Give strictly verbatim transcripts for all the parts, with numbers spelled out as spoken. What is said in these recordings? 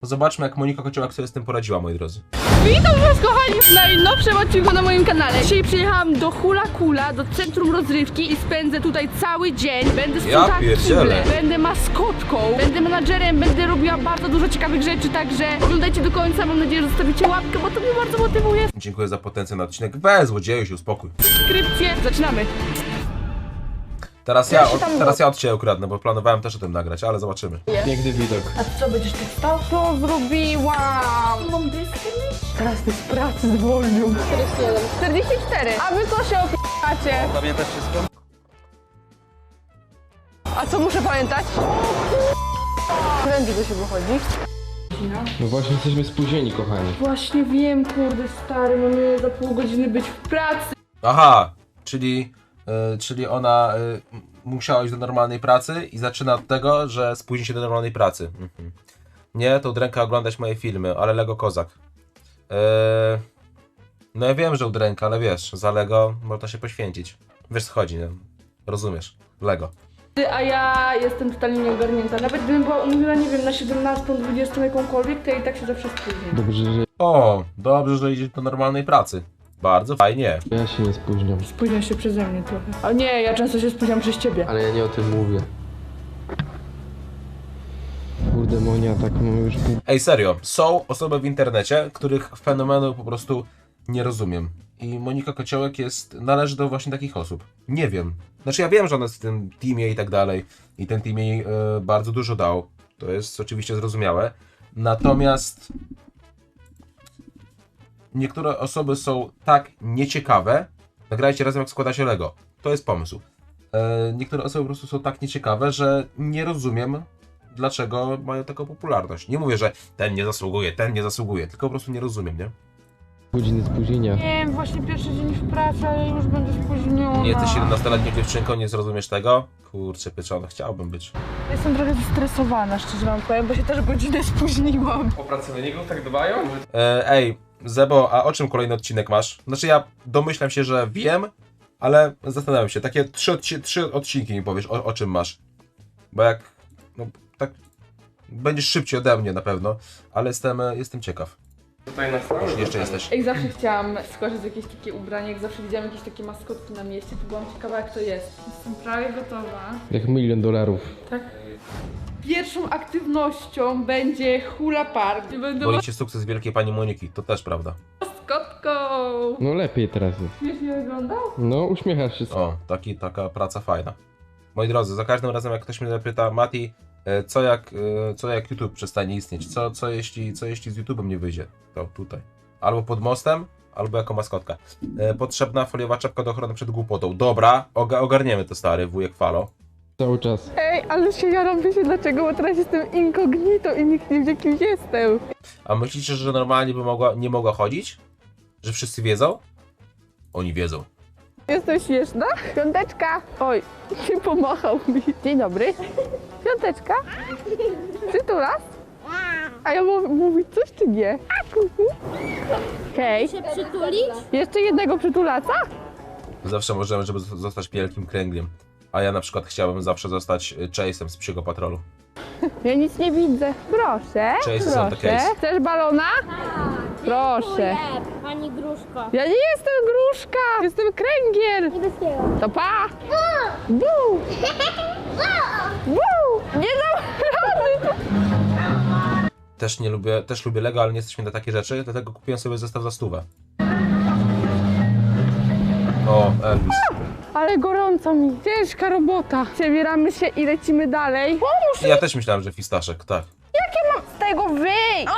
Zobaczmy, jak Monika Kociołek sobie z tym poradziła, moi drodzy. Witam was, kochani, w najnowszym odcinku na moim kanale. Dzisiaj przyjechałam do Hula Kula, do centrum rozrywki i spędzę tutaj cały dzień. Będę sprzątała kible, będę maskotką, będę menadżerem, będę robiła bardzo dużo ciekawych rzeczy, także oglądajcie do końca, mam nadzieję, że zostawicie łapkę, bo to mnie bardzo motywuje. Dziękuję za potencjał na odcinek. Bez złodzieju się uspokój. Subskrypcję, zaczynamy. Teraz ja, od, teraz ja od ciebie ukradnę, bo planowałem też o tym nagrać, ale zobaczymy. Piękny widok. A co, będziesz tak stał? To zrobiłam. Mam dyskę mieć? Teraz ty z pracy zwolnił. czterdzieści jeden. czterdzieści cztery. A wy co się opieracie? Pamiętasz wszystko? A co muszę pamiętać? Prędzej do siebie chodzi. No właśnie jesteśmy spóźnieni, kochani. Właśnie wiem, kurde stary, mamy za pół godziny być w pracy. Aha, czyli, y, czyli ona y, musiała iść do normalnej pracy i zaczyna od tego, że spóźni się do normalnej pracy. Mhm. Nie, to udręka oglądać moje filmy, ale Lego Kozak. Yy, no ja wiem, że udręka, ale wiesz, za Lego można się poświęcić. Wiesz co chodzi, nie? Rozumiesz? Lego. A ja jestem totalnie nieogarnięta. Nawet gdybym była umówiona, nie wiem, na siedemnastą, dwudziestą jakąkolwiek, to ja i tak się zawsze spóźnię. Dobrze, że O, dobrze, że idziesz do normalnej pracy. Bardzo fajnie. ja się nie spóźniam. Spóźnia się przeze mnie trochę. A nie, ja często się spóźniam przez ciebie. Ale ja nie o tym mówię. Kurde Monia, tak mamy już pół... Ej, serio, są osoby w internecie, których fenomenu po prostu nie rozumiem. I Monika Kociołek jest, należy do właśnie takich osób. Nie wiem. Znaczy ja wiem, że ona jest w tym teamie i tak dalej. I ten team jej y, bardzo dużo dał. To jest oczywiście zrozumiałe. Natomiast niektóre osoby są tak nieciekawe. Nagrajcie razem, jak składa się Lego. To jest pomysł. Y, niektóre osoby po prostu są tak nieciekawe, że nie rozumiem, dlaczego mają taką popularność. Nie mówię, że ten nie zasługuje, ten nie zasługuje, tylko po prostu nie rozumiem, nie? godziny spóźnienia. Nie wiem, właśnie pierwszy dzień w pracy, a ja już będę spóźniona. Nie jesteś siedemnastoletnią dziewczynką, nie zrozumiesz tego? Kurczę pieczone, chciałbym być. Jestem trochę zestresowana, szczerze wam powiem, bo się też godzinę spóźniłam. O pracowników tak dbają? E, ej, Zebo, a o czym kolejny odcinek masz? Znaczy ja domyślam się, że wiem, ale zastanawiam się, takie trzy, odci trzy odcinki mi powiesz, o, o czym masz. Bo jak, no tak, będziesz szybciej ode mnie na pewno, ale jestem, jestem ciekaw. Tutaj na stałe. Jeśli jeszcze jesteś. Ej, zawsze chciałam skoczyć z jakieś takie ubranie, jak zawsze widziałam jakieś takie maskotki na mieście, to byłam ciekawa, jak to jest. Jestem prawie gotowa. Jak milion dolarów. Tak. Pierwszą aktywnością będzie hula park. Będę Boli cię sukces wielkiej pani Moniki, to też prawda. maskotką. No lepiej teraz jest. Śmiesznie wygląda? No uśmiechasz się. O, taki, taka praca fajna. Moi drodzy, za każdym razem jak ktoś mnie zapyta, Mati, e, co jak, e, co jak YouTube przestanie istnieć? Co, co, jeśli, co jeśli z YouTube'em nie wyjdzie? To tutaj. Albo pod mostem, albo jako maskotka. E, potrzebna foliowa czapka do ochrony przed głupotą. Dobra, oga, ogarniemy to, stary wujek Falo. Cały czas. Ej, ale się jaram, wiecie dlaczego, bo teraz jestem incognito i nikt nie wie, kim jestem. A myślicie, że normalnie by mogła, nie mogła chodzić? Że wszyscy wiedzą? Oni wiedzą. Jestem śmieszna? Piąteczka. Oj, nie pomachał mi. Dzień dobry. Piąteczka. Przytulas? A ja mam mówić coś czy nie? Hej. się przytulić? Jeszcze jednego przytulaca? Zawsze możemy, żeby z- zostać wielkim kręgliem. A ja na przykład chciałbym zawsze zostać y, Chase'em z Psiego Patrolu. Ja nic nie widzę. Proszę, Cześć, są the proszę. case. Chcesz balona? Proszę. Dziękuję, pani Gruszko. Ja nie jestem gruszka, jestem kręgiel. Niebieskiego. To pa. Bu. Bu. Nie dam rady. Też nie lubię, też lubię Lego, ale nie jesteśmy na takie rzeczy, dlatego kupiłem sobie zestaw za stówę. O, Elvis. Ale gorąco mi. Ciężka robota. Przebieramy się i lecimy dalej. Pomóż Ja też myślałem, że fistaszek, tak. z tego wyjść.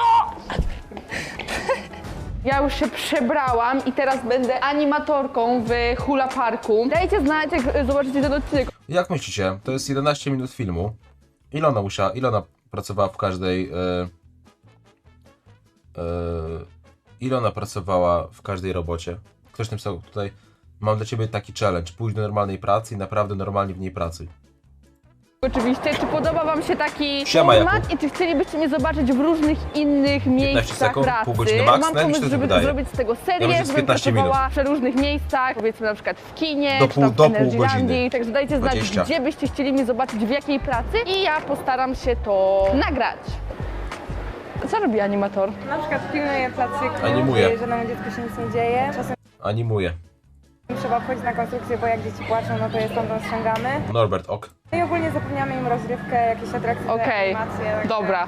Ja już się przebrałam i teraz będę animatorką w Hula Parku. Dajcie znać, jak zobaczycie ten odcinek. Jak myślicie, to jest jedenaście minut filmu. Ile ona musiała, ile ona pracowała w każdej... Yy, yy, ile ona pracowała w każdej robocie? Ktoś napisał tutaj, mam dla ciebie taki challenge, pójdź do normalnej pracy i naprawdę normalnie w niej pracuj. Oczywiście, czy podoba wam się taki Siema, format Jakub. i czy chcielibyście mnie zobaczyć w różnych innych miejscach sekund, pracy? pół godziny max? Mam No, jak mi się pomysł, to żeby wydaje? zrobić z tego Ja serię, myślę, z żebym piętnaście pracowała w różnych miejscach, powiedzmy na przykład w kinie, Do czy pół- tam w do pół Energylandii. godziny. Także dajcie znać, dwadzieścia. gdzie byście chcieli mnie zobaczyć, w jakiej pracy i ja postaram się to nagrać. Co robi animator? Na przykład pilnuje placyku, Animuje. że żadnemu dziecku się nic nie dzieje. Czasem Animuje. trzeba wchodzić na konstrukcję, bo jak dzieci płaczą, no to je stamtąd ściągamy. Norbert, ok. No i ogólnie zapewniamy im rozrywkę, jakieś atrakcje, Okej, animacje. także- dobra.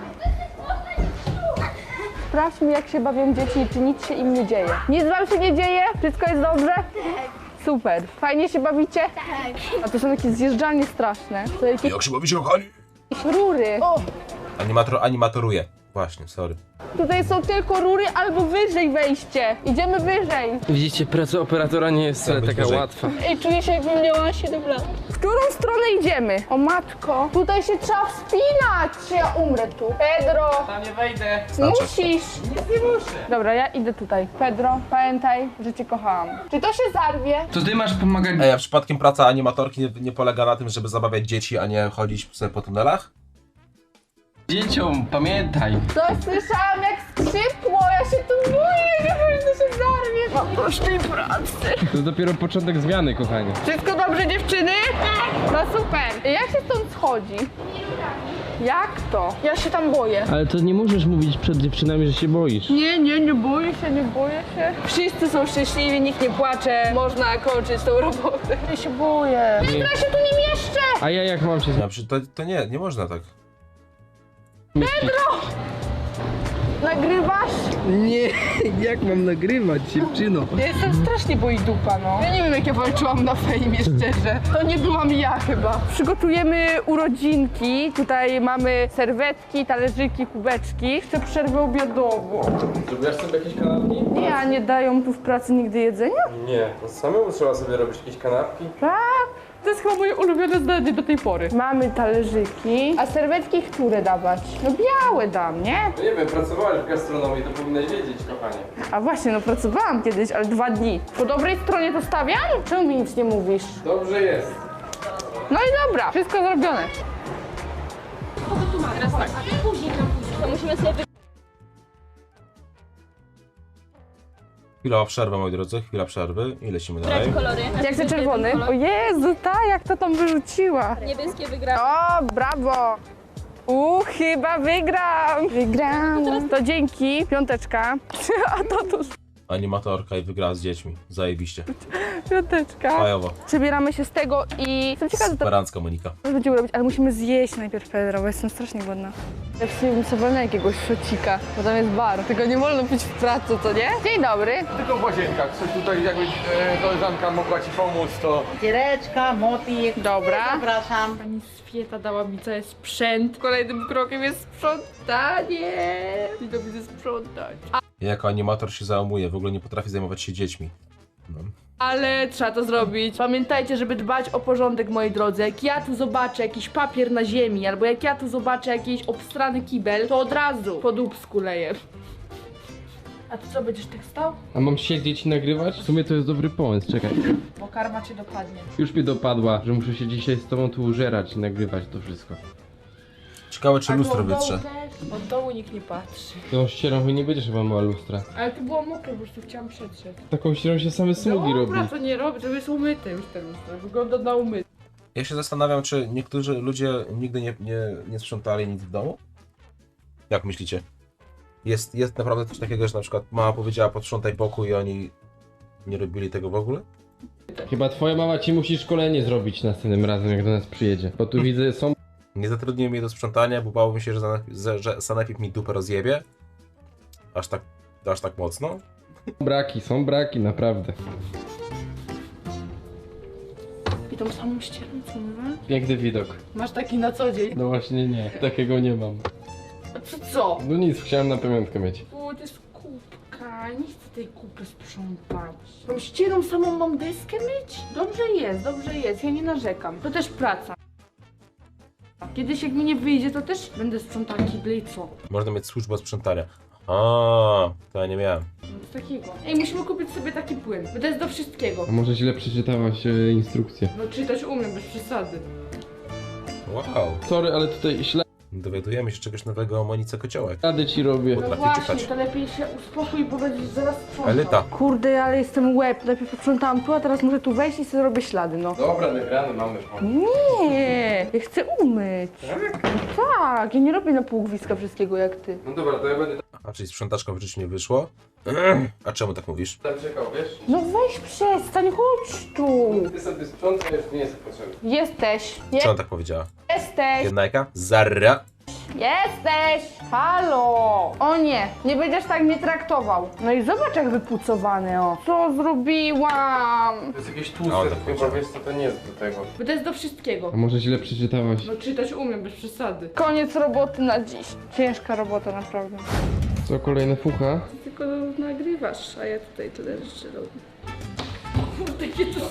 Sprawdźmy, jak się bawią dzieci i czy nic się im nie dzieje. Nic wam się nie dzieje? Wszystko jest dobrze? Super. Fajnie się bawicie? Tak. A to są takie zjeżdżalnie straszne. To jakieś Jak się bawicie, kochani? rury. O, Animator, animatoruje. Właśnie, sorry. tutaj są tylko rury albo wyżej wejście. Idziemy wyżej. Widzicie, praca operatora nie jest wcale być taka wyżej. łatwa. Ej, czuję się, jakbym miała siedem lat. W którą stronę idziemy? O matko, tutaj się trzeba wspinać. Czy ja umrę tu? Pedro, Tam nie wejdę. Znaczy. musisz. Nic nie muszę. Dobra, ja idę tutaj. Pedro, pamiętaj, że cię kochałam. Czy to się zarwie? To ty masz pomagać. Ej, a przypadkiem praca animatorki nie, nie polega na tym, żeby zabawiać dzieci, a nie chodzić sobie po tunelach? Dzieciom, pamiętaj. Coś słyszałam jak skrzypło, ja się tu boję, nie powinno się zarwie. Mam dość tej pracy. To dopiero początek zmiany, kochanie. Wszystko dobrze, dziewczyny? Tak. No super. Jak się stąd schodzi? Jak to? Ja się tam boję. Ale to nie możesz mówić przed dziewczynami, że się boisz. Nie, nie, nie boję się, nie boję się. Wszyscy są szczęśliwi, nikt nie płacze. Można kończyć tą robotę. Ja się boję. Ja się tu nie mieszczę. A ja jak mam się No, przy- to, to nie, nie można tak. zmieścić? Nagrywasz? Nie, jak mam nagrywać, dziewczyno? Ja jestem strasznie boi dupa, no. Ja nie wiem, jak ja walczyłam na fejmie, szczerze. To nie byłam ja chyba. Przygotujemy urodzinki. Tutaj mamy serwetki, talerzyki, kubeczki. Chcę przerwę obiadową. Zrobiłaś sobie jakieś kanapki? Nie, a nie dają tu w pracy nigdy jedzenia? Nie, to samemu trzeba sobie robić jakieś kanapki. Tak. To jest chyba moje ulubione zdanie do tej pory. Mamy talerzyki. A serwetki które dawać? No białe dam, nie? No nie wiem, pracowałaś w gastronomii, to powinnaś wiedzieć, kochanie. A właśnie, no pracowałam kiedyś, ale dwa dni. Po dobrej stronie to stawiam? Czemu mi nic nie mówisz? Dobrze jest. No i dobra, wszystko zrobione. To musimy sobie wy... Chwila przerwy, moi drodzy, chwila przerwy i lecimy dalej. wybrać kolory. Jak chcę czerwony? O Jezu, ta, jak to tam wyrzuciła. Niebieskie wygrały. O, brawo. U, chyba wygram. Wygram. To dzięki, piąteczka. A to tu Animatorka i wygrała z dziećmi. Zajebiście. piąteczka. Fajowo. Przebieramy się z tego i jestem ciekawa, co to Superancka Monika. będziemy robić, ale musimy zjeść najpierw Pedro, bo jestem strasznie głodna. Ja bym sobie wolna jakiegoś szocika, bo tam jest bar. Tego nie wolno pić w pracy, to nie? Dzień dobry. Tylko w łazienkach, coś tutaj jakby e, koleżanka mogła ci pomóc, to... Ciereczka, mopik. Dobra. Zapraszam. Pani Swieta dała mi cały sprzęt. Kolejnym krokiem jest sprzątanie. I to widzę sprzątać. A, Ja jako animator się załamuje, w ogóle nie potrafię zajmować się dziećmi. No. ale trzeba to zrobić. Pamiętajcie, żeby dbać o porządek, moi drodzy. Jak ja tu zobaczę jakiś papier na ziemi, albo jak ja tu zobaczę jakiś obstrany kibel, to od razu po dupsku leję. A ty co, będziesz tak stał? A mam siedzieć i nagrywać? W sumie to jest dobry pomysł, czekaj. Bo karma cię dopadnie. Już mnie dopadła, że muszę się dzisiaj z tobą tu użerać i nagrywać to wszystko. Ciekawe, czy A tu lustro od dołu wytrze. też? Od dołu nikt nie patrzy. Tą ścierą nie będziesz chyba miała lustra. Ale tu było mokre, po prostu chciałam przetrzeć. Taką ścierą się same smugi robi. Dobra, to nie robię, to jest umyte już ten lustro. Wygląda na umyte. Ja się zastanawiam, czy niektórzy ludzie nigdy nie, nie, nie sprzątali nic w domu? Jak myślicie? Jest, jest naprawdę coś takiego, że na przykład mama powiedziała posprzątaj pokój i oni nie robili tego w ogóle? Chyba twoja mama ci musi szkolenie zrobić następnym razem, jak do nas przyjedzie. Bo tu widzę, są Nie zatrudniłem jej do sprzątania, bo bałbym się, że, zane- że sanepid mi dupę rozjebie. Aż tak, aż tak mocno. braki, są braki, naprawdę. I tą samą ścierą, co mówię? Piękny widok. Masz taki na co dzień. No właśnie nie, takiego nie mam. A co co? No nic, chciałem na pamiątkę mieć. O, to jest kubka, nie chcę tej kupy sprzątać. Tą ścierą samą mam deskę myć? Dobrze jest, dobrze jest, ja nie narzekam. To też praca. Kiedyś jak mi nie wyjdzie, to też będę sprzątała kible i co? Można mieć służbę sprzątania. A, to ja nie miałem. Nic takiego. Ej, musimy kupić sobie taki płyn, bo to jest do wszystkiego. A może źle przeczytałaś e, instrukcję? No czytać umiem, bez przesady. Wow. Sorry, ale tutaj śle... Dowiadujemy się czegoś nowego o Monice Kociołek. Rady ci robię. Potrafi Właśnie, czytać. to lepiej się uspokój, bo będziesz zaraz sprzątał. Elita. Kurde, ale jestem łeb. Najpierw posprzątałam tu, a teraz muszę tu wejść i sobie robię ślady, no. Dobra, nagrany mamy. Nie, ja chcę umyć. No tak, ja nie robię na półgwiska wszystkiego jak ty. No dobra, to ja będę A czyli sprzątaczką w życiu nie wyszło? A czemu tak mówisz? tam czekał, wiesz? No weź przestań, chodź tu. Ty sobie sprzątasz, już nie jest potrzebny. Jesteś, je Co on tak powiedziała? jesteś, Jednajka? Zarra. jesteś. Halo. O nie, nie będziesz tak mnie traktował. No i zobacz jak wypucowany, o. Co zrobiłam? To jest jakieś A, tłuste, on tak chyba powiedział. wiesz co, to nie jest do tego. Bo to jest do wszystkiego. A może źle przeczytałaś? No czytać umiem, bez przesady. Koniec roboty na dziś. Ciężka robota naprawdę. Co, kolejna fucha? Ty tylko nagrywasz, a ja tutaj tyle rzeczy robię. Kurde, jakie to...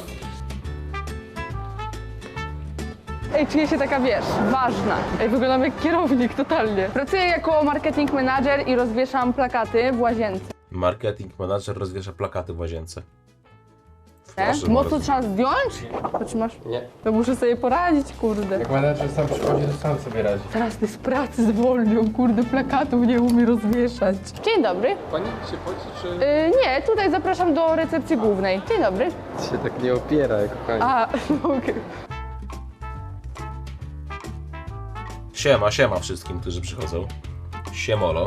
Ej, czuję się taka, wiesz, ważna. Ej, wyglądam jak kierownik totalnie. Pracuję jako marketing manager i rozwieszam plakaty w łazience. Marketing manager rozwiesza plakaty w łazience. Nie? Proszę Mocno bardzo. trzeba zdjąć? To czy masz? Nie. To muszę sobie poradzić, kurde. Jak menadżer sam przychodzi, to sam sobie radzi. Teraz ty z pracy zwolnią, kurde, plakatów nie umie rozwieszać. Dzień dobry. Pani się poci, czy... Yy, nie, tutaj zapraszam do recepcji głównej. Dzień dobry. się tak nie opiera, kochani. A, okej. Siema, siema wszystkim, którzy przychodzą. Siemolo.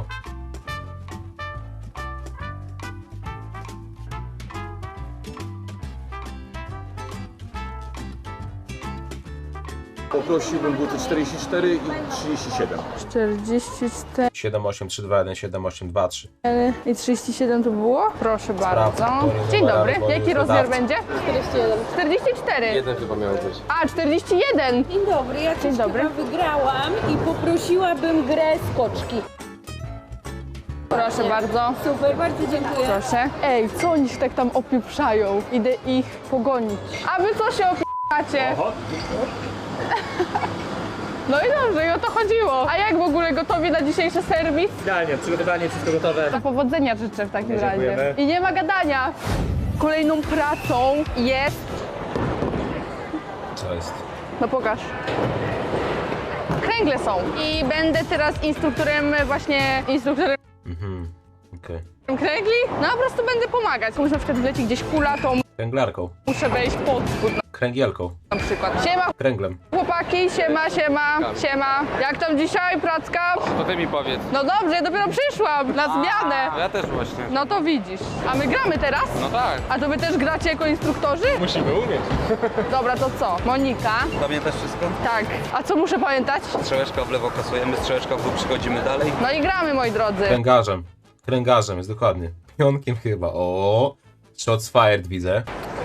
Poprosiłbym buty czterdzieści cztery i trzydzieści siedem. czterdzieści cztery siedem osiem trzy dwa jeden siedem osiem dwa trzy. i trzydzieści siedem to było? Proszę bardzo. powiem Dzień numer dobry. albo Jaki rozmiar wydawcy. będzie? czterdzieści jeden. czterdzieści cztery. Jeden chyba miał być. A, czterdzieści jeden. Dzień dobry, ja Dzień coś dobry. chyba wygrałam i poprosiłabym grę skoczki. Proszę bardzo. Super, bardzo dziękuję. Proszę. Ej, co oni się tak tam opieprzają? Idę ich pogonić. A wy co się opieprzacie? No i dobrze, i o to chodziło. A jak w ogóle gotowi na dzisiejszy serwis? Idealnie, przygotowanie, wszystko gotowe. To powodzenia życzę w takim razie. Dziękujemy. I nie ma gadania. Kolejną pracą jest... Co jest? No pokaż. Kręgle są. I będę teraz instruktorem, właśnie instruktorem Mhm, okej. kręgli. No po prostu będę pomagać. Komuś na przykład wleci gdzieś kula, to Kręglarką. muszę wejść pod spód Kręgielką. na przykład. Siema Kręglem. chłopaki, siema, siema, siema. Jak tam dzisiaj pracka? To ty mi powiedz. No dobrze, ja dopiero przyszłam na zmianę. Ja też właśnie. No to widzisz. A my gramy teraz? No tak. A to wy też gracie jako instruktorzy? Musimy umieć. Dobra, to co? Monika? Pamiętasz wszystko? Tak. A co muszę pamiętać? Strzałeczka w lewo kasujemy, strzałeczka w dół, przychodzimy dalej. No i gramy, moi drodzy. Kręgarzem. Kręgarzem jest dokładnie. Pionkiem chyba. O, shots fired widzę.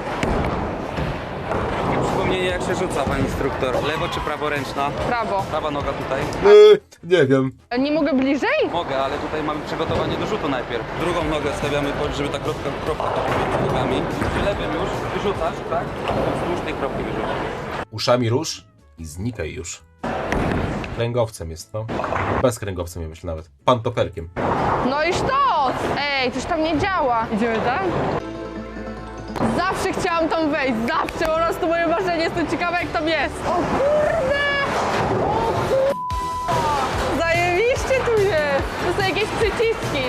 Przypomnienie jak się rzuca, pan instruktor. Lewo czy praworęczna? Prawo. Prawa noga tutaj. Yy, nie wiem. Nie mogę bliżej? Mogę, ale tutaj mamy przygotowanie do rzutu najpierw. Drugą nogę stawiamy, pod, żeby ta kropka, kropka między nogami. Czy lewym już wyrzucasz, tak? Wzdłuż tej kropki wyrzucasz. Uszami rusz i znikaj już. Kręgowcem jest, no. Bez kręgowcem, ja myślę nawet. Pantoperkiem. No i sztos! Ej, coś tam nie działa. Idziemy tam? Zawsze chciałam tam wejść, zawsze, po prostu moje marzenie, jestem ciekawa jak tam jest. O kurde! O kurde! Zajebiście tu jest! To są jakieś przyciski.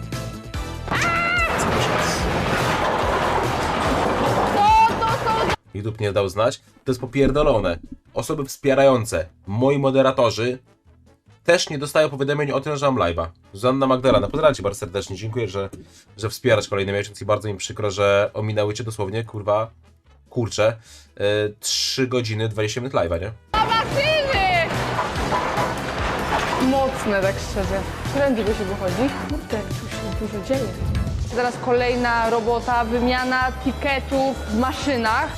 Co to są? YouTube nie dał znać. To jest popierdolone. Osoby wspierające, moi moderatorzy, też nie dostają powiadomień o tym, że mam live'a. Zuzanna Magdalena, pozdrawiam cię bardzo serdecznie. Dziękuję, że, że wspierasz kolejny miesiąc i bardzo mi przykro, że ominęły cię dosłownie, kurwa, kurczę, yy, trzy godziny dwadzieścia minut live'a, nie? Zobaczymy! Mocne, tak szczerze. Prędzej go się wychodzi. Kurde, tu się dużo dzieje. Zaraz kolejna robota, wymiana tiketów w maszynach.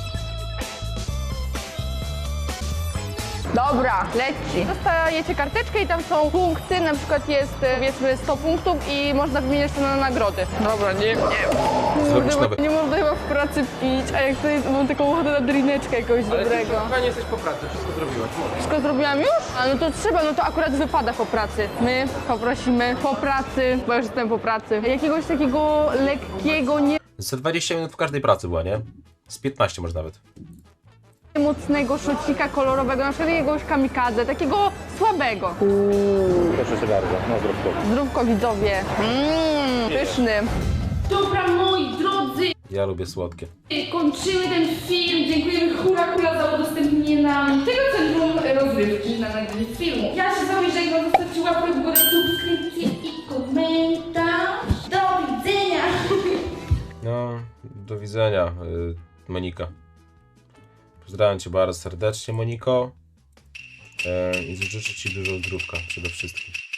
Dobra, leci. Dostajecie karteczkę i tam są punkty, na przykład jest e, powiedzmy sto punktów i można wymieniać to na nagrody. Dobra, nie, nie. Zrobisz Kurde, nowe. nie można chyba w pracy pić, a jak tutaj mam taką ochotę na drineczkę jakiegoś Ale ty dobrego. kochanie jesteś po pracy, wszystko zrobiłaś. Możesz. Wszystko zrobiłam już? A no to trzeba, no to akurat wypada po pracy. My poprosimy po pracy, bo już jestem po pracy. Jakiegoś takiego lekkiego, nie... Za dwadzieścia minut w każdej pracy była, nie? Z piętnaście może nawet. mocnego szocika kolorowego, na przykład jakiegoś kamikadze, takiego słabego. Proszę cię bardzo, no zdrówko. Zdrówko widzowie. Mmm, pyszny. Dobra, moi drodzy, Ja lubię słodkie. kończymy ten film. Dziękujemy Hula Kula za udostępnienie nam tego centrum rozrywki na nagranie filmu. Ja się z wami żegnam, zostawcie łapkę w górę, subskrypcję i komentarz. Do widzenia! No, do widzenia, y, Monika. Pozdrawiam cię bardzo serdecznie, Moniko. E, I życzę ci dużo zdrówka przede wszystkim.